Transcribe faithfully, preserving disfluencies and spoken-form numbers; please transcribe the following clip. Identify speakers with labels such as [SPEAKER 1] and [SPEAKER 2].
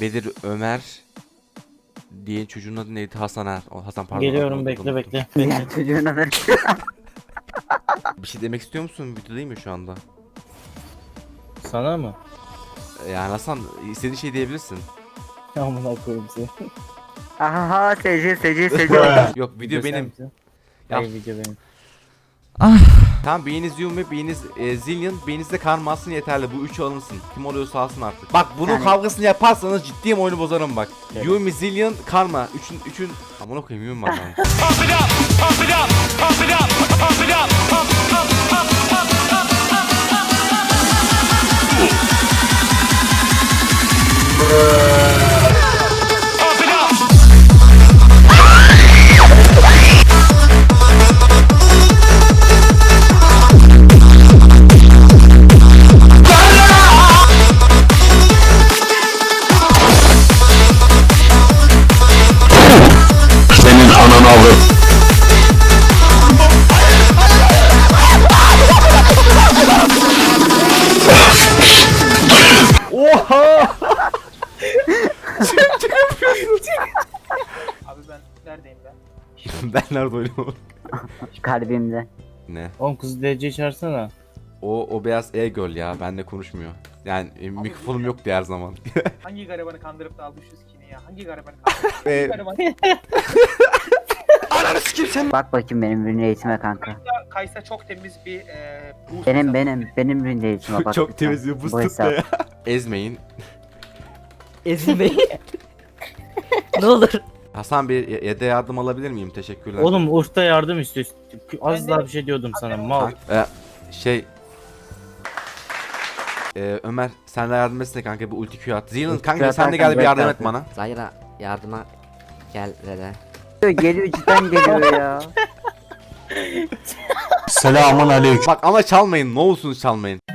[SPEAKER 1] Bedir Ömer diye çocuğun adı neydi? Hasan Er. O Hasan pardon.
[SPEAKER 2] Geliyorum,
[SPEAKER 1] Unuttum,
[SPEAKER 2] bekle
[SPEAKER 1] unuttum.
[SPEAKER 2] bekle.
[SPEAKER 3] Diğer çocuğun adı.
[SPEAKER 1] Bir şey demek istiyor musun? Video değil mi şu anda?
[SPEAKER 2] Sana mı?
[SPEAKER 1] Yani Hasan istediğin şey diyebilirsin.
[SPEAKER 2] Amına koyayım seni.
[SPEAKER 3] Aha seci seci seci.
[SPEAKER 1] Yok video
[SPEAKER 2] sen
[SPEAKER 1] benim.
[SPEAKER 2] misin?
[SPEAKER 1] Yap.
[SPEAKER 2] Hayır, video benim.
[SPEAKER 1] Tamam biriniz Yum ve biriniz e, Zillion, biriniz de karma alsın yeterli. Bu üçü alınsın. Kim oluyorsa alsın artık. Bak bunun
[SPEAKER 3] Yani-
[SPEAKER 1] kavgasını yaparsanız ciddiyim oyunu bozarım bak.
[SPEAKER 2] Evet.
[SPEAKER 1] Yumi, Zillion, karma. Üçün üçün amına koyayım Yumi var lan.
[SPEAKER 4] Senin ananı avrat.
[SPEAKER 1] Oha!
[SPEAKER 5] Abi ben neredeyim ben?
[SPEAKER 1] Ben nerede oynuyorum?
[SPEAKER 3] Kalbimde.
[SPEAKER 1] Ne?
[SPEAKER 2] Oğlum kızı D C çağırsana.
[SPEAKER 1] O o beyaz e-girl ya. Benle konuşmuyor. Yani e, mikrofonum yoktu her zaman.
[SPEAKER 5] Hangi garibanı kandırıp da almış skin'i ya? Hangi garibanı kandırıp?
[SPEAKER 1] Ve
[SPEAKER 5] Garibanı
[SPEAKER 3] Bak bakayım benim ürün eğitime kanka.
[SPEAKER 5] Kaysa çok temiz bir e, boost
[SPEAKER 3] Benim
[SPEAKER 5] hesabı.
[SPEAKER 3] benim benim ürün eğitime bak.
[SPEAKER 1] çok
[SPEAKER 3] lütfen.
[SPEAKER 1] temiz bir
[SPEAKER 3] Bu
[SPEAKER 1] boost
[SPEAKER 3] hesap.
[SPEAKER 1] ya. Ezmeyin.
[SPEAKER 6] Ezilmeyin. Ne olur.
[SPEAKER 1] Hasan bir ye- yede yardım alabilir miyim? Teşekkürler.
[SPEAKER 2] Oğlum Urf'ta yardım istiyor. Az
[SPEAKER 5] Ben de-
[SPEAKER 2] daha bir şey diyordum sana mal.
[SPEAKER 1] Ee, şey ee, Ömer sen de yardım etsene kanka bu ulti Q at. Zillion
[SPEAKER 3] Ulti
[SPEAKER 1] kanka
[SPEAKER 3] Q
[SPEAKER 1] sen de
[SPEAKER 3] atarken
[SPEAKER 1] gel bir yardım et
[SPEAKER 3] beklersin.
[SPEAKER 1] bana.
[SPEAKER 6] Zahira yardıma gel dede.
[SPEAKER 3] Geliyor cidden geliyor ya.
[SPEAKER 4] Selamun aleyküm.
[SPEAKER 1] Bak ama çalmayın ne olursunuz çalmayın.